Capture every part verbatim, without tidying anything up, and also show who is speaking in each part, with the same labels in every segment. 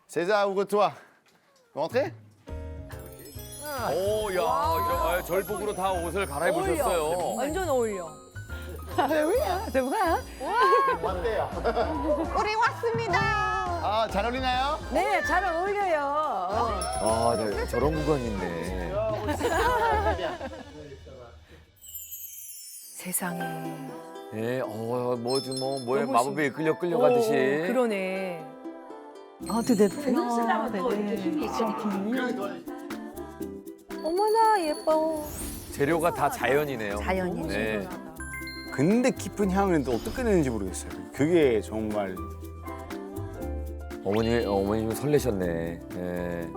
Speaker 1: César, ouvre-toi. Vous rentrez?
Speaker 2: 오, 야, 이런, 아, 절복으로 다 옷을 갈아입으셨어요.
Speaker 3: 완전 어울려.
Speaker 4: 우리 왔습니다.
Speaker 1: 아, 잘 어울리나요?
Speaker 3: 네, 잘 어울려요.
Speaker 2: 아, 네, 저런 구간이 있네.
Speaker 3: 세상에.
Speaker 2: 예, 어, 뭐지, 뭐, 뭐에
Speaker 3: 너무
Speaker 2: 마법에 이끌려 끌려가듯이.
Speaker 3: 오, 그러네.
Speaker 5: 아, tout dépend.
Speaker 3: 어머나 예뻐.
Speaker 2: 재료가 다 자연이네요.
Speaker 5: 자연이죠.
Speaker 2: 네.
Speaker 1: 근데 깊은 향은 또 어떻게 내는지 모르겠어요. 그게 정말
Speaker 2: 어머니, 어머니 좀 설레셨네. 예.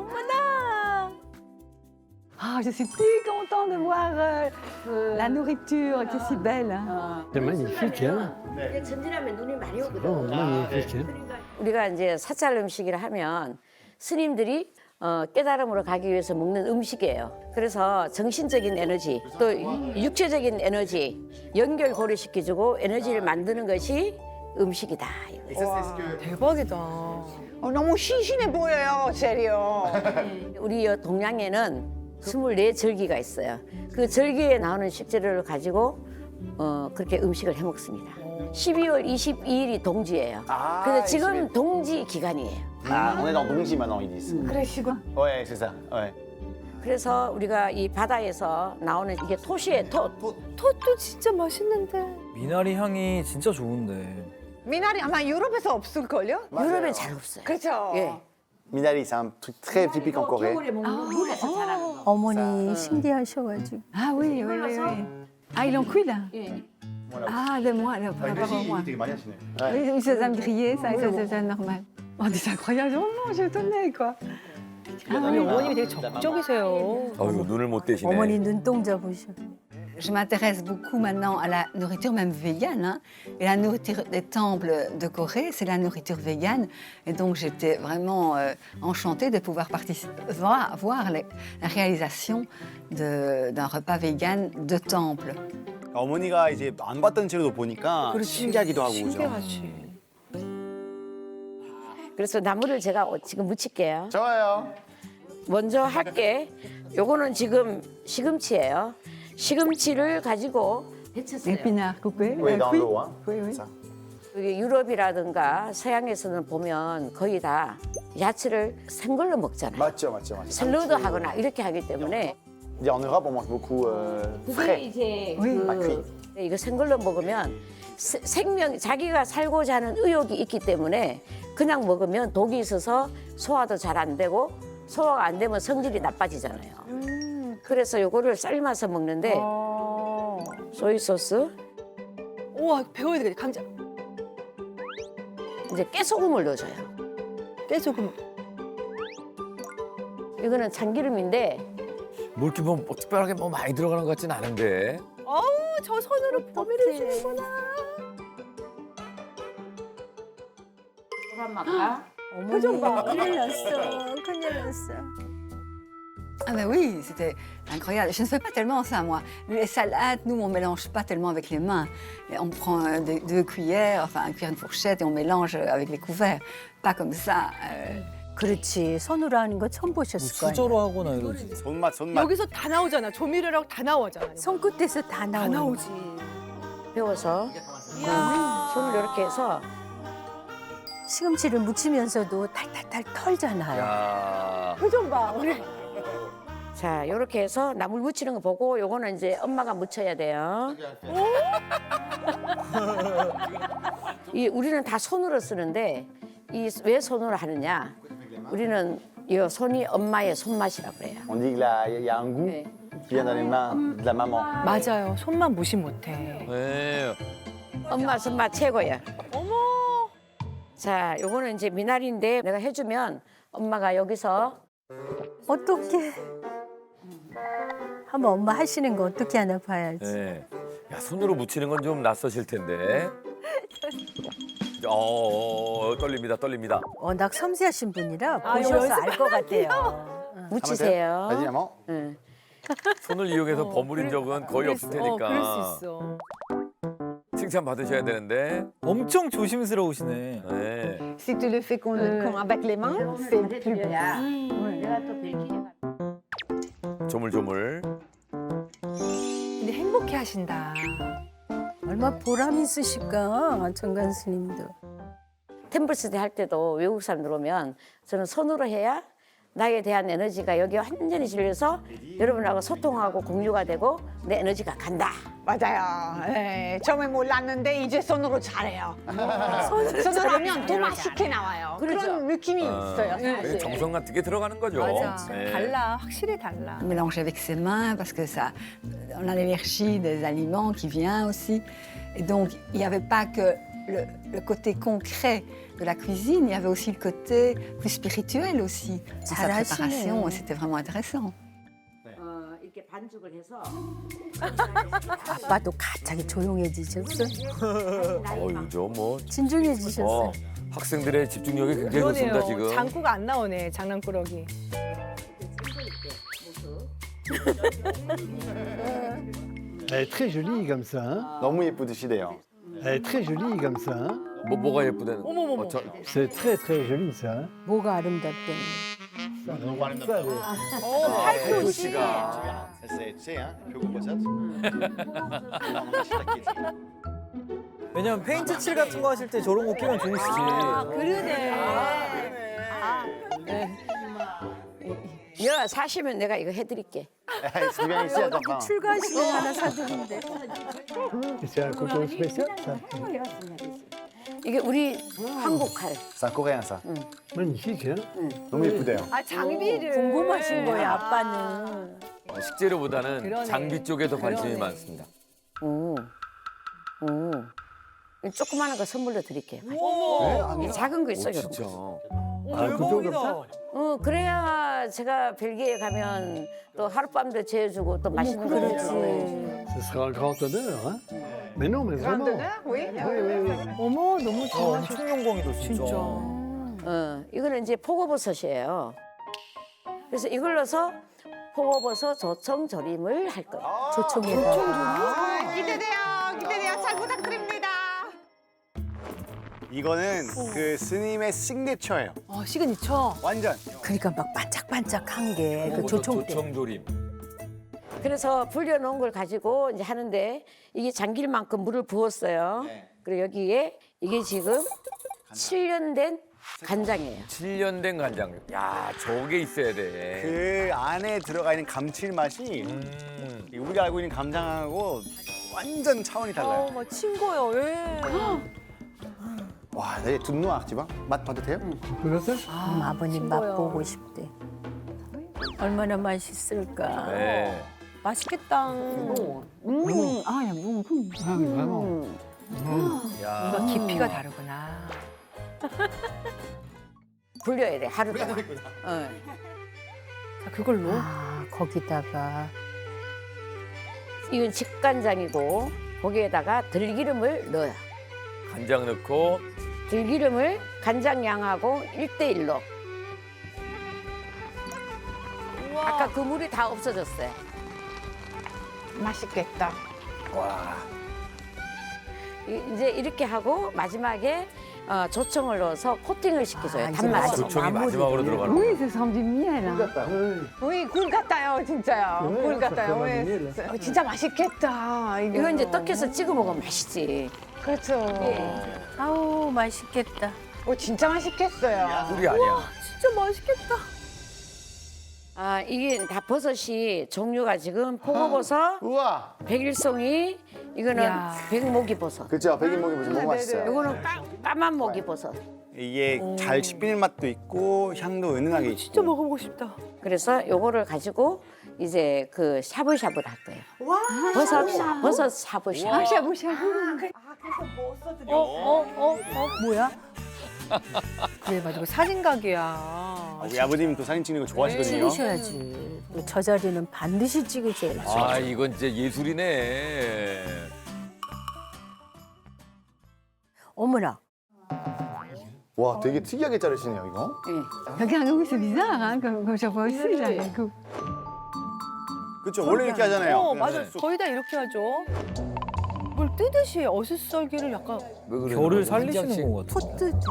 Speaker 5: Ah, je suis si contente de voir euh, la nourriture qui est si belle.
Speaker 6: C'est magnifique, hein?
Speaker 7: 전진하면 눈이 많이 오거든.
Speaker 6: Oh, magnifique, hein?
Speaker 7: 우리가 이제 사찰 음식이라 하면 스님들이 어, 깨달음으로 가기 위해서 먹는 음식이에요. 그래서 정신적인 에너지, 또 육체적인 에너지 연결고리시켜주고 에너지를 만드는 것이 음식이다. 이거예요.
Speaker 3: 대박이다.
Speaker 4: 어, 너무 신신해 보여요, 세리요.
Speaker 7: 우리 동양에는 스물네 절기가 있어요. 그 절기에 나오는 식재료를 가지고 어, 그렇게 음식을 해 먹습니다. 십이월 이십이일이 동지예요.
Speaker 1: 아,
Speaker 7: 그래서 지금
Speaker 1: 이십일.
Speaker 7: 동지 기간이에요.
Speaker 1: Ah, on est dans Dongji maintenant, ils disent.
Speaker 5: Après, je suis quoi?
Speaker 1: Ouais, c'est ça. Ouais.
Speaker 7: 그래서 우리가 이 바다에서 나오는 이게 토시의 톳.
Speaker 3: 톳도 진짜 맛있는데.
Speaker 8: 미나리 향이 진짜 좋은데.
Speaker 4: 미나리 아마 유럽에서 없을걸요?
Speaker 7: 유럽엔 잘 없어요.
Speaker 4: 그렇죠.
Speaker 7: 예.
Speaker 1: Minari, c'est un truc très typique en Corée.
Speaker 7: 겨울에 먹는 물에서 자라는 거.
Speaker 5: 어머니 신기하셔가지고. Ah oui, oui, oui, oui. Ah, ils l'ont cuit là?
Speaker 7: 예.
Speaker 5: Ah, de moi, là, par rapport à moi. Oui, oui, ça va me griller, ça, ça, ça, c'est normal. Oh, mais c'est incroyable, vraiment, je suis étonnée, quoi.
Speaker 3: 아니 어머님이 되게 적극적이세요.
Speaker 2: 어휴, 눈을 못 떼시네.
Speaker 5: 어머니 눈동자 보셔.
Speaker 9: Je m'intéresse beaucoup maintenant à la nourriture même végane. Hein. Et la nourriture des temples de Corée, c'est la nourriture végane. Et donc j'étais vraiment euh, enchantée de pouvoir participer, voir, voir les- la réalisation de- d'un repas végane de temple.
Speaker 1: 어머니가 이제 안 봤던 재료도 보니까 신기하기도 하고 그죠.
Speaker 3: 신기하지.
Speaker 7: 그래서 나물을 제가 지금 무칠게요.
Speaker 1: 좋아요.
Speaker 7: 먼저 할게. 요거는 지금 시금치예요. 시금치를 가지고 데쳤어요.
Speaker 9: Épinards coupés.
Speaker 1: Oui,
Speaker 9: euh,
Speaker 1: dans
Speaker 9: cuits.
Speaker 1: l'eau, hein.
Speaker 9: Oui, oui.
Speaker 1: Ça.
Speaker 7: 여기 유럽이라든가 서양에서는 보면 거의 다 야채를 생걸로 먹잖아요.
Speaker 1: 맞죠, 맞죠, 맞죠.
Speaker 7: 샐러드 하거나 이렇게 하기 때문에
Speaker 1: En Europe, on mange beaucoup euh,
Speaker 7: 그게
Speaker 1: frais.
Speaker 7: 이제
Speaker 9: Oui.
Speaker 1: Pas cuit.
Speaker 7: 그 이거 생걸로 먹으면 세- 생명 자기가 살고자 하는 의욕이 있기 때문에 그냥 먹으면 독이 있어서 소화도 잘 안 되고 소화가 안 되면 성질이 나빠지잖아요. 그래서 요거를 삶아서 먹는데
Speaker 3: 어.
Speaker 7: 소이 소스
Speaker 3: 우와 배워야 되겠다. 감자.
Speaker 7: 이제 깨소금을 넣어줘요.
Speaker 3: 깨소금.
Speaker 7: 이거는 참기름인데
Speaker 2: 뭐 이렇게 뭐, 뭐 특별하게 뭐 많이 들어가는 것 같진 않은데.
Speaker 3: 어우 저 손으로 범위를 주는구나.
Speaker 7: 소란맛과
Speaker 5: 어머니 큰일 났어, 큰일 났어.
Speaker 9: Ah ben oui, c'était incroyable. Je ne fais pas tellement ça, moi. Les salades, nous, on mélange pas tellement avec les mains. Et on prend euh, deux, deux cuillères, enfin, une cuillère, une fourchette, et on mélange avec les couverts. Pas comme ça. euh.
Speaker 5: 그렇지, 손으로 하는 거 처음
Speaker 8: 뭐
Speaker 5: 보셨을 거예요.
Speaker 8: 수저로 하거나 이러지.
Speaker 1: 손맛, 손맛.
Speaker 3: 여기서 다 나오잖아. 조미료랑 다 나오잖아.
Speaker 5: 손끝에서 다
Speaker 3: 다
Speaker 5: 나오는
Speaker 3: 나오지.
Speaker 7: 배워서 손을 이렇게 해서
Speaker 5: 시금치를 무치면서도 탈탈탈 털잖아요.
Speaker 2: 야.
Speaker 3: 표정 봐. 우리.
Speaker 7: 자 이렇게 해서 나물 무치는 거 보고 요거는 이제 엄마가 무쳐야 돼요. 이 우리는 다 손으로 쓰는데 이 왜 손으로 하느냐? 우리는 이 손이 엄마의 손맛이라고 그래요.
Speaker 1: On dit qu'il y a un goût
Speaker 7: 네.
Speaker 1: qui vient dans les mains de la maman.
Speaker 3: 맞아요. 손만 무시 못해.
Speaker 2: 네.
Speaker 7: 엄마 손맛 최고야.
Speaker 3: 어머.
Speaker 7: 자 요거는 이제 미나리인데 내가 해주면 엄마가 여기서
Speaker 5: 어떻게? 한번 엄마 하시는 거 어떻게 하나 봐야지.
Speaker 2: 네. 야, 손으로 묻히는 건 좀 낯서실 텐데. 어, 어, 떨립니다, 떨립니다.
Speaker 5: 워낙 섬세하신 분이라
Speaker 3: 아, 이거
Speaker 5: 보셔서
Speaker 3: 연습
Speaker 5: 알 것 같아요.
Speaker 7: 무치세요.
Speaker 1: Vas-y, maman.
Speaker 7: 응.
Speaker 2: 손을 이용해서 버무린 적은 거의 없을
Speaker 3: 어,
Speaker 2: 테니까.
Speaker 3: 그럴 수 있어.
Speaker 2: 칭찬 받으셔야 되는데.
Speaker 8: 엄청 조심스러우시네.
Speaker 2: 네.
Speaker 4: Si tu le fais qu'on, qu'on avec les mains, c'est plus beau.
Speaker 2: 조물조물.
Speaker 3: 근데 행복해 하신다.
Speaker 7: 얼마나 보람 있으실까 정관 스님도. 템플스테 할 때도 외국 사람들 오면 저는 손으로 해야 나에 대한 에너지가 여기 완전히 질려서 여러분하고 소통하고 공유가 되고 내 에너지가 간다.
Speaker 4: 맞아요. 예, 처음에 몰랐는데 이제 손으로 잘해요. 손으로 하면 더 맛있게 나와요.
Speaker 7: 그렇죠.
Speaker 4: 그런 느낌이 있어요.
Speaker 2: 네,
Speaker 4: 사실.
Speaker 2: 정성 같은 게 들어가는 거죠.
Speaker 3: 맞아.
Speaker 2: 네.
Speaker 3: 달라. 확실히 달라.
Speaker 9: On mélange avec ses mains parce que ça, on a l'énergie des aliments qui vient aussi. Et donc, il n'y avait pas que le, le côté concret de la cuisine, il y avait aussi le côté plus spirituel aussi dans sa préparation. Et c'était vraiment intéressant.
Speaker 7: 어, 이렇게 반죽을 해서
Speaker 10: 아빠도 갑자기 조용해지셨어.
Speaker 2: 어, 이죠 뭐.
Speaker 10: 진중해지셨어.
Speaker 2: 어, 학생들의 집중력이 굉장히 좋습니다
Speaker 3: 그러네요.
Speaker 2: 지금.
Speaker 3: 장구가 안 나오네. 장난꾸러기.
Speaker 6: Elle est très jolie comme ça. hein.
Speaker 1: 너무 예쁘드시대요.
Speaker 6: Elle est très jolie comme ça. hein.
Speaker 2: 뭐 뭐가 예쁘다는.
Speaker 3: 어머머머.
Speaker 2: 어, 저,
Speaker 6: C'est très très joli ça. hein.
Speaker 10: 뭐가 아름답대.
Speaker 3: 어, 팔토시.
Speaker 2: 씨가.
Speaker 8: 왜냐면 페인트 칠 같은 거 하실 때 저런 거 끼면 좋으시지.
Speaker 3: 그러네.
Speaker 7: 여 사시면 내가 이거 해드릴게.
Speaker 10: 출가 시간 하나 사드린대.
Speaker 6: Et c'est un couteau spécial ça.
Speaker 7: 이게 우리 한국 칼.
Speaker 1: 사 코리안 사.
Speaker 6: Magnifique hein.
Speaker 1: 너무 예쁘대요.
Speaker 3: 아, 장비를.
Speaker 10: 궁금하신 거야 아빠는.
Speaker 2: 어, 식재료보다는
Speaker 3: 그러네.
Speaker 2: 장비 쪽에 더 관심이
Speaker 3: 그러네.
Speaker 2: 많습니다.
Speaker 7: 오, 오. 이 조그마한 거 선물로 드릴게요.
Speaker 3: 어머.
Speaker 7: 이 작은 거 있어요.
Speaker 2: 진짜.
Speaker 6: 아, couteau comme ça.
Speaker 7: 어, 그래야 제가 벨기에 가면 또 하룻밤도 재워주고 또 맛있는 거 해주고.
Speaker 6: Ce sera un grand honneur hein. Mais non mais
Speaker 4: Grand
Speaker 6: vraiment.
Speaker 4: honneur, oui.
Speaker 6: Oui oui oui.
Speaker 3: 어머, 너무
Speaker 8: 어,
Speaker 3: 좋아하셨어.
Speaker 8: 엄청 영광이다 진짜.
Speaker 3: 진짜.
Speaker 7: 어, 이거는 이제 포고버섯이에요. 그래서 이걸 넣어서 포고버섯 조청조림을 할 거예요.
Speaker 10: 조청에다.
Speaker 4: 아, 기대돼요. 기대돼요. 잘 부탁드립니다.
Speaker 1: 이거는 그 스님의 시그니처예요.
Speaker 3: 아, 시그니처.
Speaker 1: 완전.
Speaker 10: 그러니까 막 반짝반짝한 게 그 조청 때.
Speaker 2: 조청조림.
Speaker 7: 그래서 불려놓은 걸 가지고 이제 하는데 이게 잠길 만큼 물을 부었어요. 그리고 여기에 이게 지금 칠 년 된 간장이에요.
Speaker 2: 칠 년 된 간장. 야, 저게 있어야 돼.
Speaker 1: 그 안에 들어가 있는 감칠맛이
Speaker 2: 음.
Speaker 1: 우리가 알고 있는 감장하고 완전 차원이 달라요.
Speaker 3: 어, 막 친거요. 예.
Speaker 1: 와, 내 둔노 악지방 맛 봐도 돼요?
Speaker 6: Comment ça?
Speaker 10: 음, 아버님
Speaker 3: 친거요.
Speaker 10: 맛보고 싶대. 얼마나 맛있을까.
Speaker 2: 네.
Speaker 3: 맛있겠다.
Speaker 9: Mmh. Ah, il y a bon goût.
Speaker 6: Ah oui vraiment.
Speaker 2: 야.
Speaker 3: 뭔가 깊이가 다르구나.
Speaker 7: 불려야 돼 하루 동안. 어.
Speaker 3: 자, 그걸로.
Speaker 10: 아 거기다가
Speaker 7: 이건 직간장이고 거기에다가 들기름을 넣어요.
Speaker 2: 간장 넣고
Speaker 7: 들기름을 간장 양하고 일 대 일로. 아까 그 물이 다 없어졌어요.
Speaker 4: 맛있겠다.
Speaker 2: 와.
Speaker 7: 이- 이제 이렇게 하고 마지막에 어, 조청을 넣어서 코팅을 시켜줘요.
Speaker 10: 아, 이제
Speaker 7: 단맛으로.
Speaker 2: 조청이 마지막으로 들어가는
Speaker 9: Oui,
Speaker 2: 거.
Speaker 9: ça ressemble du miel. hein.
Speaker 4: 우리 굴 같아요, 진짜요.
Speaker 6: 네,
Speaker 4: 굴 같아요.
Speaker 6: 잠깐만요.
Speaker 4: 왜? 어, 진짜 맛있겠다. 이거.
Speaker 7: 이거 이제 떡해서 찍어 먹으면 맛있지.
Speaker 4: 그렇죠.
Speaker 10: 아우 맛있겠다.
Speaker 4: 어, 진짜 맛있겠어요.
Speaker 2: 꿀이 아니야.
Speaker 3: 진짜 맛있겠다.
Speaker 7: 아 이게 다 버섯이 종류가 지금 포고버섯,
Speaker 1: 우와.
Speaker 7: 백일송이, 이거는
Speaker 3: 이야.
Speaker 7: 백목이버섯.
Speaker 1: 그렇죠. 백인목이 무슨 너무 맛있어요.
Speaker 7: 이거는 까, 까만 목이버섯.
Speaker 1: 이게 잘 씹히는 맛도 있고 향도 은은하게 있고.
Speaker 3: 진짜 먹어보고 싶다.
Speaker 7: 그래서 요거를 가지고 이제 그 샤브샤브를 할 거예요. 버섯 샤, 버섯 샤브샤브.
Speaker 9: Ah, shabu shabu.
Speaker 3: 어, 어, 어, 어, 뭐야? 그래, 맞아. 이거 사진각이야.
Speaker 1: 우리 아버님 또 사진 찍는 거 좋아하시거든요.
Speaker 10: 찍으셔야지. 저 자리는 반드시 찍으셔야지.
Speaker 2: 아, 이건 진짜 예술이네.
Speaker 10: 어머나.
Speaker 1: 와, 되게 특이하게 자르시네요, 이거.
Speaker 9: Regarde, oui, c'est bizarre, hein, comme, comme chaque fois aussi, j'ai un coup.
Speaker 1: 그렇죠. 원래 이렇게 하잖아요.
Speaker 3: 어,
Speaker 1: 그냥
Speaker 3: 맞아.
Speaker 1: 쑥.
Speaker 3: 거의 다 이렇게 하죠. 뭘 뜨듯이 어슷썰기를 약간
Speaker 2: 왜 그래요?
Speaker 8: 결을
Speaker 2: 한
Speaker 8: 살리시는
Speaker 2: 장씩.
Speaker 8: 것 같아요.
Speaker 10: 포 뜨듯이.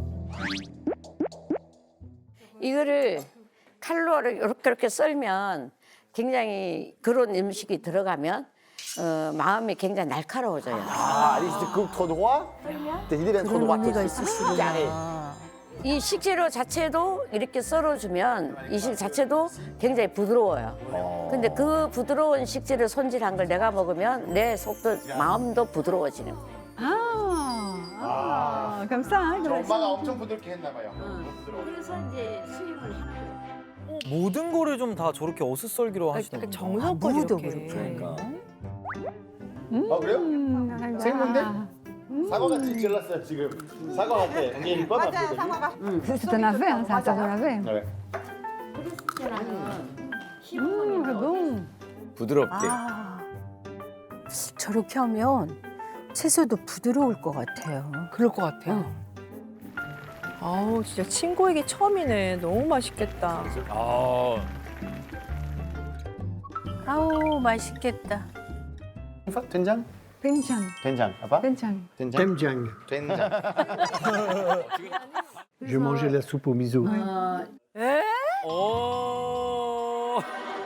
Speaker 7: 이거를 칼로 이렇게 이렇게 썰면 굉장히 그런 음식이 들어가면 어, 마음이 굉장히 날카로워져요.
Speaker 1: Ah, allez, je te coupe trop droit. Tes idées viennent trop
Speaker 10: 그런
Speaker 1: droites
Speaker 10: 의미가
Speaker 1: aussi.
Speaker 10: 있으시구나.
Speaker 7: 이 식재료 자체도 이렇게 썰어주면 이 식 자체도 굉장히 부드러워요. 근데 그 부드러운 식재료 손질한 걸 내가 먹으면 내 속도, 마음도 부드러워지는 거예요.
Speaker 5: Ah, ah, comme ça, hein, comme ça.
Speaker 1: 엄마가 엄청 부드럽게 했나 봐요.
Speaker 7: 그래서 이제 수입을 하고.
Speaker 8: 모든 거를 좀 다 저렇게 어슷썰기로 하시는
Speaker 3: 약간
Speaker 8: 거예요.
Speaker 3: 정성껏
Speaker 10: 무도
Speaker 3: 이렇게.
Speaker 8: 그러니까.
Speaker 1: 아 그래요?
Speaker 5: Mm,
Speaker 1: 생건데?
Speaker 5: voilà.
Speaker 1: 사과같이 찔렀어요 지금. 사과 같아. 이게 이뻐
Speaker 4: 맞아요, 상어가.
Speaker 5: C'est un navet, hein, c'est un sort de navet.
Speaker 1: 네.
Speaker 5: Mmh, c'est bon.
Speaker 2: 부드럽게.
Speaker 10: 아, 저렇게 하면 채소도 부드러울 것 같아요.
Speaker 3: 그럴 것 같아요. 아우 진짜 친구에게 처음이네. 너무 맛있겠다.
Speaker 2: 아,
Speaker 10: 아우 맛있겠다.
Speaker 1: 된장?
Speaker 5: Doenjang,
Speaker 1: 된장. 아빠?
Speaker 5: doenjang.
Speaker 1: 된장.
Speaker 6: Temjang.
Speaker 1: 된장.
Speaker 6: Je mangeais la soupe au miso.
Speaker 2: 오.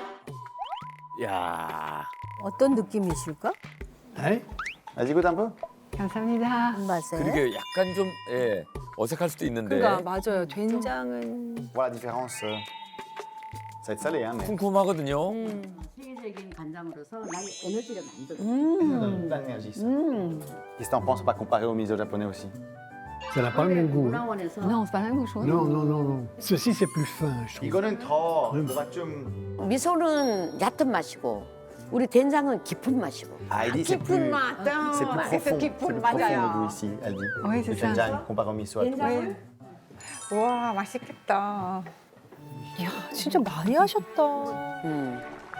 Speaker 2: 야.
Speaker 10: 어떤 느낌이실까?
Speaker 6: Hein?
Speaker 1: Vas-y, goûte un peu.
Speaker 5: 감사합니다.
Speaker 10: 맛에.
Speaker 2: 그러게 약간 좀 예, 어색할 수도 있는데
Speaker 3: 그러니까 맞아요. 된장은
Speaker 1: Voilà la différence. euh. Ça va être salé, hein, mais.
Speaker 2: 쿰쿰하거든요.
Speaker 7: 세계적인 간장으로서 나의 에너지를 만들어.
Speaker 1: Mmh. Qu'est-ce que t'en penses pas comparé au miso japonais aussi?
Speaker 6: Ça n'a pas le même goût. hein.
Speaker 7: 문화원에서
Speaker 5: Non, c'est pas la même chose.
Speaker 6: Non, non, non, non. Ceci, c'est plus fin, je trouve.
Speaker 1: 이거는 더 뭔가 좀.
Speaker 7: 미소는 얕은 맛이고 우리 된장은 깊은 맛이고.
Speaker 1: Ah, il dit c'est
Speaker 4: 깊은
Speaker 1: plus.
Speaker 4: 맛.
Speaker 1: C'est plus profond. C'est plus
Speaker 4: 깊은
Speaker 1: profond le
Speaker 4: 맞아요.
Speaker 1: goût ici, elle dit.
Speaker 5: Oui, c'est
Speaker 1: Le
Speaker 5: ça.
Speaker 1: 된장 comparé au miso. elle trouve.
Speaker 4: 와, 맛있겠다.
Speaker 3: 이야 진짜 많이 하셨다.
Speaker 7: 음.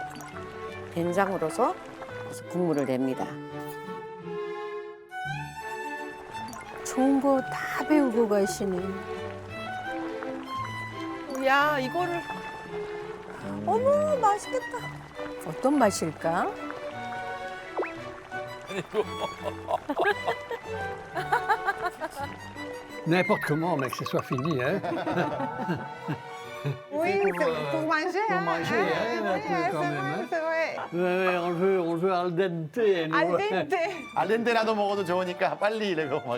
Speaker 7: 된장으로서 국물을 냅니다.
Speaker 10: 좋은 거 다 배우고 가시네.
Speaker 3: 야 이거를 어머 맛있겠다.
Speaker 10: 어떤 맛일까?
Speaker 6: N'importe comment, mais que ce soit fini, hein.
Speaker 4: Oui, c'est pour manger.
Speaker 6: Pour
Speaker 4: hein.
Speaker 6: manger, hein,
Speaker 4: Ah,
Speaker 6: un
Speaker 4: oui,
Speaker 6: peu
Speaker 4: c'est
Speaker 6: quand
Speaker 4: vrai,
Speaker 6: même, hein.
Speaker 4: c'est vrai.
Speaker 6: Ouais, ouais, on le veut, on le veut al dente. nous.
Speaker 4: Al dente.
Speaker 1: 알렌데라도 먹어도 좋으니까 빨리 이래고 막.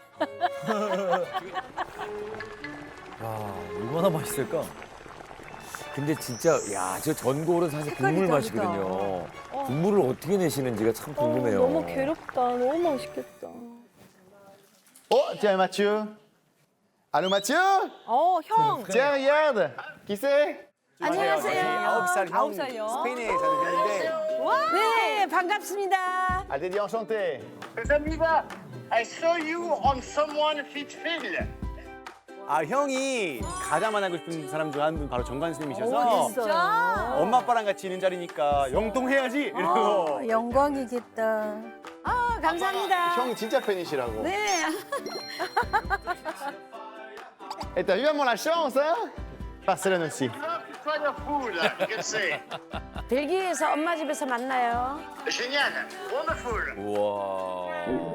Speaker 8: 야, 얼마나 맛있을까?
Speaker 2: 근데 진짜 야, 저 전골은 사실 국물
Speaker 3: 색깔이
Speaker 2: 맛이거든요. 국물을 어떻게 내시는지가 참 궁금해요.
Speaker 3: 너무 괴롭다. 너무 맛있겠다.
Speaker 1: Oh, tiens Mathieu. Allô Mathieu?
Speaker 3: 어 형.
Speaker 1: Tiens, regarde. Qui c'est?
Speaker 7: 안녕하세요.
Speaker 1: 아홉 살 형.
Speaker 3: 아홉 살요?
Speaker 1: 스페인에 사는데.
Speaker 7: 네, 반갑습니다.
Speaker 1: Elle t'a dit enchanté.
Speaker 11: I saw you on someone fit Phil.
Speaker 1: 아 형이 가자만 하고 싶은 사람 중 한 분 바로 정관 스님이셔서
Speaker 3: 어, 진짜?
Speaker 1: 엄마 아빠랑 같이 있는 자리니까 영통해야지 이러고.
Speaker 10: 어, 영광이겠다.
Speaker 7: 아, 감사합니다.
Speaker 1: 형 진짜 팬이시라고.
Speaker 7: 네.
Speaker 1: Et t'as vraiment la chance, hein? Barcelone aussi.
Speaker 11: Sois a fool, you can say.
Speaker 7: 벨기에에서 엄마 집에서 만나요.
Speaker 11: Génial, wonderful.
Speaker 2: 우와.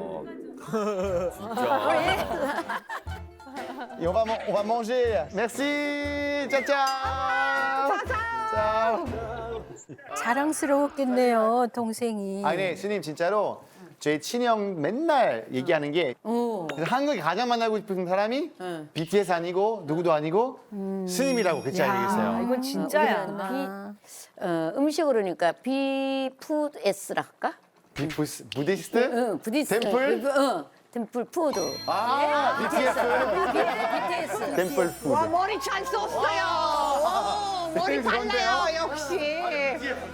Speaker 2: 진짜.
Speaker 1: Et on va, man- on va manger. Merci. Ciao, ciao. ciao.
Speaker 10: 자랑스러웠겠네요, 동생이.
Speaker 1: 아니, 스님 진짜로 저희 친형 맨날 얘기하는 게
Speaker 7: 오.
Speaker 1: 그래서 한국에 가장 만나고 싶은 사람이 비티에스 아니고 누구도 아니고 스님이라고 그렇게
Speaker 3: 아,
Speaker 1: 얘기했어요.
Speaker 3: 이건 진짜야.
Speaker 10: 아,
Speaker 7: 어, 음식으로 그러니까 비푸드에스라 할까?
Speaker 1: 비푸스, 부디스트?
Speaker 7: 응, 부디스.
Speaker 1: 템플?
Speaker 7: 응, 템플 푸드.
Speaker 1: 아, 비티에스.
Speaker 7: 비티에스.
Speaker 1: 템플 푸드.
Speaker 4: 와, 머리 잘 썼어요. 오, 머리
Speaker 1: 그런데요?
Speaker 4: 빨라요, 역시.